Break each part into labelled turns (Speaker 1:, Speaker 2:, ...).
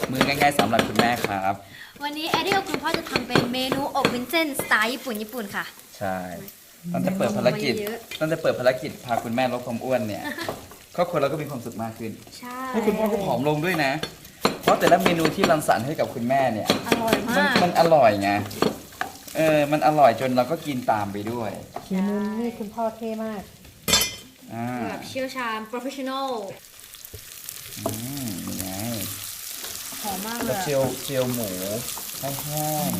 Speaker 1: มือง่ายๆสำหรับคุณแม่ครับ
Speaker 2: วันนี้แอดดี้กับคุณพ่อจะทำเป็นเมนูอบวุ้นเส้นสไตล์ญี่ปุ่นค่ะ
Speaker 1: ใช่ตั้งแต่เปิดภารกิจ
Speaker 2: เยอะ
Speaker 1: ตั้งแต่เปิดภารกิจพาคุณแม่ลดความอ้วนเนี่ยครอบครัวเราก็มีความสุขมากขึ้น
Speaker 2: ใช่
Speaker 1: ให้คุณพ่อก็ผอมลงด้วยนะ เพราะแต่ละเมนูที่รังสรรค์ให้กับคุณแม่เนี่ย
Speaker 2: อร่อย
Speaker 1: มัน
Speaker 2: มาก
Speaker 1: มันอร่อยไงมันอร่อยจนเราก็กินตามไปด้วย
Speaker 3: ฝีมือนี่คุณพ่อเท่มาก
Speaker 1: อ่า
Speaker 2: แบบเชี่ยวชาญ professional
Speaker 1: นี่ไง
Speaker 2: หอมมากเล
Speaker 1: ก็
Speaker 2: ย
Speaker 1: เจียวหมูแห้ง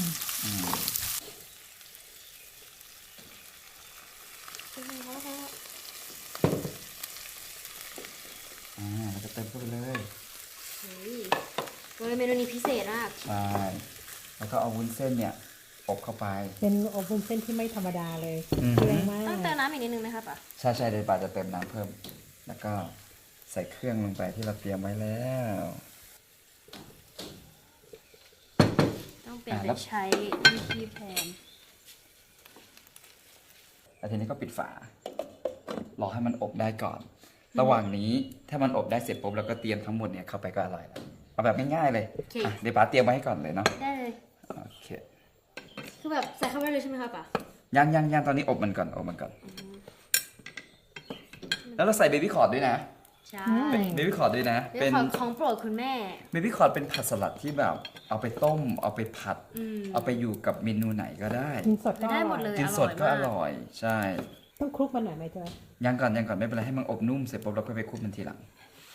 Speaker 1: เราจะเติมเข้าไปเลย
Speaker 2: เฮ้ยเมนูนี้พิเศษมาก
Speaker 1: ใช่ แล้วก็เอาวุ้นเส้นเนี่ยอบเข้าไป
Speaker 3: เป็นอบวุ้นเส้นที่ไม่ธรรมดาเลย
Speaker 1: อือฮึ
Speaker 3: เครื่องมาก
Speaker 2: ต้องเติมน้ำอีกนิดนึงไหมครับป่ะ
Speaker 1: ใช่เดี๋ยวป่าจะเติมน้ำเพิ่ม แล้วก็ใส่เครื่องลงไปที่เราเตรียมไว้แล้ว
Speaker 2: ต้องเปลี่ยน
Speaker 1: แล้
Speaker 2: เป็
Speaker 1: ว
Speaker 2: นใช้ที่แทน
Speaker 1: แล้วทีนี้ก็ปิดฝา รอให้มันอบได้ก่อน ระหว่างนี้ถ้ามันอบได้เสร็จปุ๊บเราก็เตรียมทั้งหมดเนี่ยเข้าไปก็อร่อยแล้ว เอาแบบง่ายๆเลย
Speaker 2: โอเค
Speaker 1: อ่ะเดี๋ยวป๋าเตรียมไว้ให้ก่อนเลยเนาะ
Speaker 2: ได้เลย
Speaker 1: โอเค
Speaker 2: คือแบบใส่เข้าไปเลยใช่ไหมครับป่ะ
Speaker 1: ยังตอนนี้อบมันก่อน แล้วเราใส่เบบี้คอร์ดด้วยนะ
Speaker 2: ใช่
Speaker 1: เบบี้คอร์ดด้วยนะ
Speaker 2: เป็
Speaker 1: เป็น น
Speaker 2: ของโปรดคุณแม่
Speaker 1: เบบี้คอร์ดเป็นผักสลัดที่แบบ เอาไปต้ม เอาไปผัด
Speaker 2: อืม
Speaker 1: เอาไปอยู่กับเมนูไหนก็ได้
Speaker 3: กินสดก็
Speaker 2: ได้
Speaker 3: อ
Speaker 2: หม
Speaker 3: ร่อ
Speaker 2: ด
Speaker 3: ย
Speaker 2: เลย
Speaker 1: กินสดก็อร่อย ใช่
Speaker 3: ต้องคลุกมันหน่อยไหมจ๊ะ
Speaker 1: ยังก่อนไม่เป็นไรให้มันอบนุ่มเสร็จปุ๊บเราก็ไปคลุกมันทีหลัง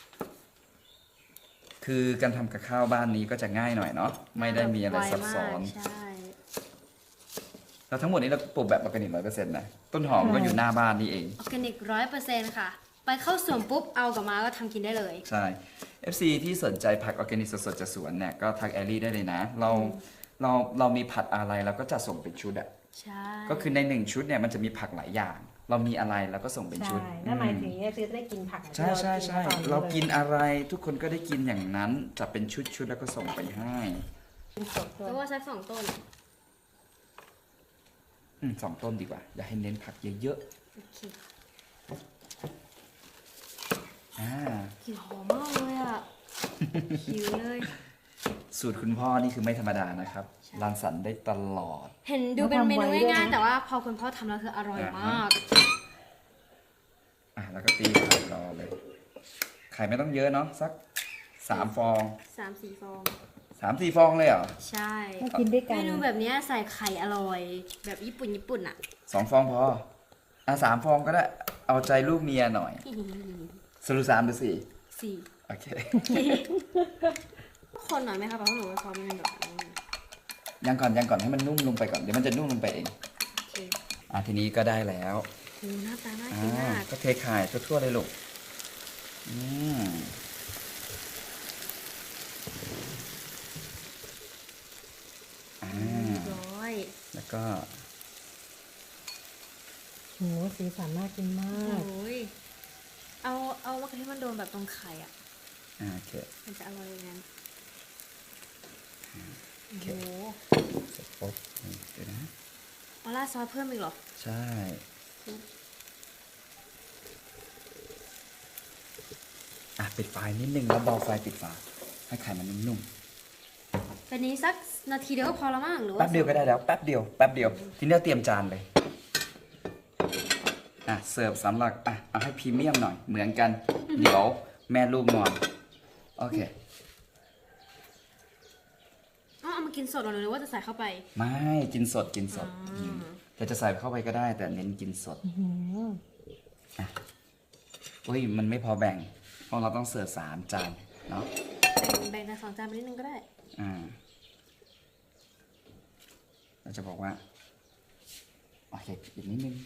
Speaker 1: คือการทำกับข้าวบ้านนี้ก็จะง่ายหน่อยเนาะ ไม่ได้มีอะไรซับซ้อน
Speaker 2: ไวมากใช่
Speaker 1: แล้วทั้งหมดนี้เราปลูกแบบออร์แกนิก100%นะ ต้นหอมก็อยู่หน้าบ้านนี่เอง
Speaker 2: ออร์แกนิก100%ค่ะ ไปเข้าสวนปุ๊บ เอากลับมาก็ทำกินได้เลย
Speaker 1: ใช่ FC ที่สนใจผักออร์แกนิกสดๆจากสวนเนี่ยก็ทักแอลลี่ได้เลยนะ เรามีผัดอะไรเราก็จะส่งเป็นชุดอะ
Speaker 2: ใช่
Speaker 1: ก็คือใน1ชุดเนี่ยมันจะมีผักหลายอย่าง เรามีอะไรเราก็ส่งเป็นชุด
Speaker 3: ใช่นั่นหมายถึงเนี่ยจะได้กินผัก
Speaker 1: ใช่ใช่ใช่
Speaker 3: ที่
Speaker 1: เรา
Speaker 3: กิ
Speaker 1: กิ
Speaker 3: น
Speaker 1: นอะไรทุกคนก็ได้กินอย่างนั้นจะเป็นชุดแล้วก็ส่งไปให้
Speaker 3: กินสดด้ว
Speaker 2: แล้
Speaker 3: ยว
Speaker 2: ว่าสัก2 ต้น
Speaker 1: 2 ต้นดีกว่า อย่าให้เน้นผักเยอะ
Speaker 2: โอเค
Speaker 1: ๆอ่าก
Speaker 2: ลิ่นหอมมากเลยอ่ะ หิวเลย
Speaker 1: สูตรคุณพ่อนี่คือไม่ธรรมดานะครับ
Speaker 2: ใช่
Speaker 1: รังสรรค์ได้ตลอด
Speaker 2: เห็นดูเป็นเมนูง่ายๆแต่ว่าพอคุณพ่อทำแล้วคืออร่อยมาก
Speaker 1: แล้วก็ตีไข่รอเลย ไข่ไม่ต้องเยอะเนาะสัก3 ฟอง
Speaker 2: 3-4 ฟอง
Speaker 1: 3-4 ฟองเลยเหรอ
Speaker 2: ใช่
Speaker 3: ถ้ากินด้วยกั
Speaker 2: เม
Speaker 3: น
Speaker 2: นูแบบเนี้ยใส่ไข่อร่อย แบบญี่ปุ่นอ่ะ
Speaker 1: 2 ฟองพอ3 ฟองก็ได้ เอาใจลูกเมียหน่อยสรุป3 หรือ 4
Speaker 2: 4
Speaker 1: โอเค
Speaker 2: คนหน่อยไหมคะเพราะหนูว่าเขามันแบบนี้
Speaker 1: ยังก่อนให้มันนุ่มลงไปก่อน เดี๋ยวมันจะนุ่มลงไปเอง
Speaker 2: โอเค
Speaker 1: ทีนี้ก็ได้แล้ว
Speaker 2: โหหน้าตาน่ากินมาก
Speaker 1: ก็เทไข่ทั่วๆเลยลูกอืมอ่า
Speaker 2: เรียบร้อย
Speaker 1: แล้วก็
Speaker 3: โหสีสันน่ากินมาก
Speaker 2: โอ้ยเอามะเขือเทศมันโดนแบบตรงไข่อ่ะ
Speaker 1: โอเค
Speaker 2: มันจะอร่อยอย่างนั้นโอ้โห
Speaker 1: เสร็จปุ๊บเดี๋ยวนะ
Speaker 2: เอาราดซอสเพิ่มอีกเหรอ
Speaker 1: ใช่ปิดไฟนิดนึงแล้วเบาไฟปิดฝาให้ไข่มันนุ่ม
Speaker 2: เป็นนี้สักนาทีเดียวก็พอแล้วมั้งหรือ
Speaker 1: ๆ
Speaker 2: ว่า
Speaker 1: แป๊บเดียวก็ได้แล้วแป๊บเดียวทีนี้เราเตรียมจานเลยเสิร์ฟสำหรับเอาให้พรีเมียมหน่อยเหมือนกัน เดี๋ยวแม่ลูกนอนโอเค
Speaker 2: เอามากินสดหรือว่าจะใส่เข้าไป
Speaker 1: ไม่กินสดแต่จะใส่เข้าไปก็ได้แต่เน้นกินสดอุ้ยมันไม่พอแบ่งเพราะเราต้องเสิร์ฟ3 จานเนาะ
Speaker 2: แบ่งใน2 จานไปนิดนึงก็ได้
Speaker 1: เราจะบอกว่าโอเคอีกนิดนึง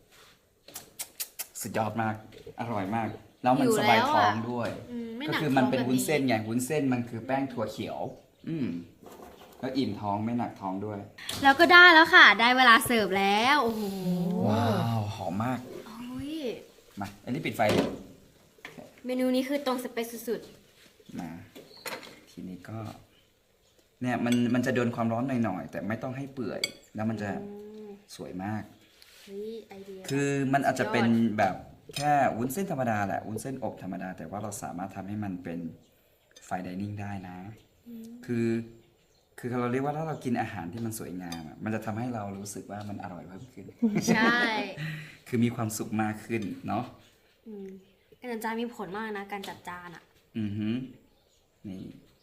Speaker 1: สุดยอดมากอร่อยมากแล้วมันสบายท้องด้วย
Speaker 2: ไม่ห
Speaker 1: ก็
Speaker 2: นัก
Speaker 1: คือ
Speaker 2: ท้
Speaker 1: มั
Speaker 2: อน ง
Speaker 1: เป็น
Speaker 2: แบบ
Speaker 1: วุ้นเส้นไงวุ้นเส้นมันคือแป้งถั่วเขียว แล้วอิ่มท้องไม่หนักท้องด้วย
Speaker 2: แล้วก็ได้แล้วค่ะ ได้เวลาเสิร์ฟแล้วโอ้โห
Speaker 1: ว้าวหอมมาก
Speaker 2: โอ้ย
Speaker 1: มาอันนี้ปิดไฟเลย
Speaker 2: เมนูนี้คือตรงสเปคสุด
Speaker 1: มาทีนี้ก็ เนี่ยมันจะโดนความร้อนหน่อยๆแต่ไม่ต้องให้เปื่อย แล้วมันจะสวยมาก
Speaker 2: ๆเฮ้ยไอเดีย
Speaker 1: คือมันอาจจะเป็นแบบแค่วุ้นเส้นธรรมดาแหละวุ้นเส้นอบธรรมดาแต่ว่าเราสามารถทำให้มันเป็นไฟน์ไดนิ่งได้นะ คือเราเรียกว่าถ้าเรากินอาหารที่มันสวยงามอะมันจะทำให้เรารู้สึกว่ามันอร่อยเพิ่มขึ้น
Speaker 2: ใช่
Speaker 1: คือมีความสุขมากขึ้นเนาะ
Speaker 2: การจัดจานมีผลมากนะ การจัดจานอ่ะ
Speaker 1: อือฮึนี่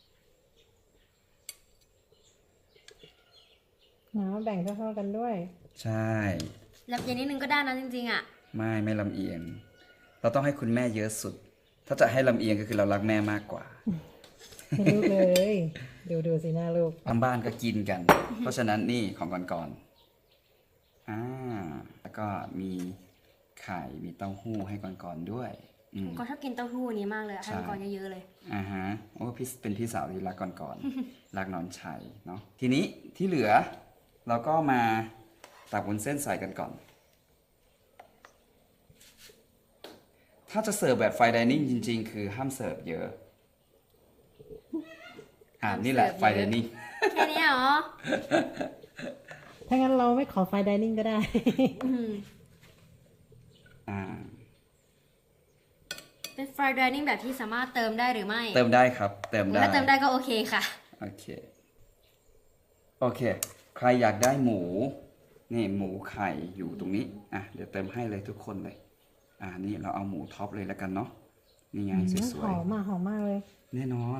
Speaker 3: แบ่งเท่าๆกันด้วย
Speaker 1: ใช่
Speaker 2: แล้วเย็นนิดนึงก็ได้นะจริงๆอ่ะ
Speaker 1: ไม่ลำเอียง เราต้องให้คุณแม่เยอะสุด ถ้าจะให้ลำเอียงก็คือเรารักแม่มากกว่า
Speaker 3: ให้ลูกเลย ดูสิหน้าลูก
Speaker 1: ทางบ้านก็กินกัน เพราะฉะนั้นนี่ของก่อนแล้วก็มีไข่มีเต้าหู้ให้ก่อนด้วย
Speaker 2: ก็ชอบกินเต้าหู้อันนี้มากเลยอะให้มังกรเยอะๆเลย
Speaker 1: โอ้พี่เป็นพี่สาวที่รักก่อน รักน้องชัยเนาะทีนี้ที่เหลือเราก็มาตักวุ้นเส้นใส่กันก่อน ถ้าจะเสิร์ฟแบบไฟน์ไดนิ่งจริงๆ คือห้ามเสิร์ฟเยอะนี่แหละไฟน์ไดนิ่ง
Speaker 2: แค่นี้เหรอ
Speaker 3: ถ้างั้นเราไม่ขอไฟน์ไดนิ่งก็ได้
Speaker 2: เป็นฟรายดิเนิ่งแบบที่สามารถเติมได้หรือไม่
Speaker 1: เติมได้ครับ เติมได้
Speaker 2: ถ้าเติมได้ก็โอเคค่ะ
Speaker 1: โอเค ใครอยากได้หมู นี่หมูไข่อยู่ตรงนี้ เดี๋ยวเติมให้เลยทุกคนเลย นี่เราเอาหมูท็อปเลยแล้วกันเนาะ นี่ไงส
Speaker 3: ห
Speaker 1: วย
Speaker 3: อมมากเลย
Speaker 1: ๆ แน่นอน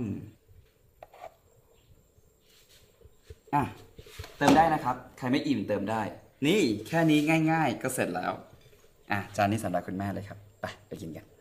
Speaker 1: เติมได้นะครับ ใครไม่อิ่มเติมได้ นี่แค่นี้ง่ายๆ ก็เสร็จแล้ว จานนี้สำหรับคุณแม่เลยครับ ไปกินกัน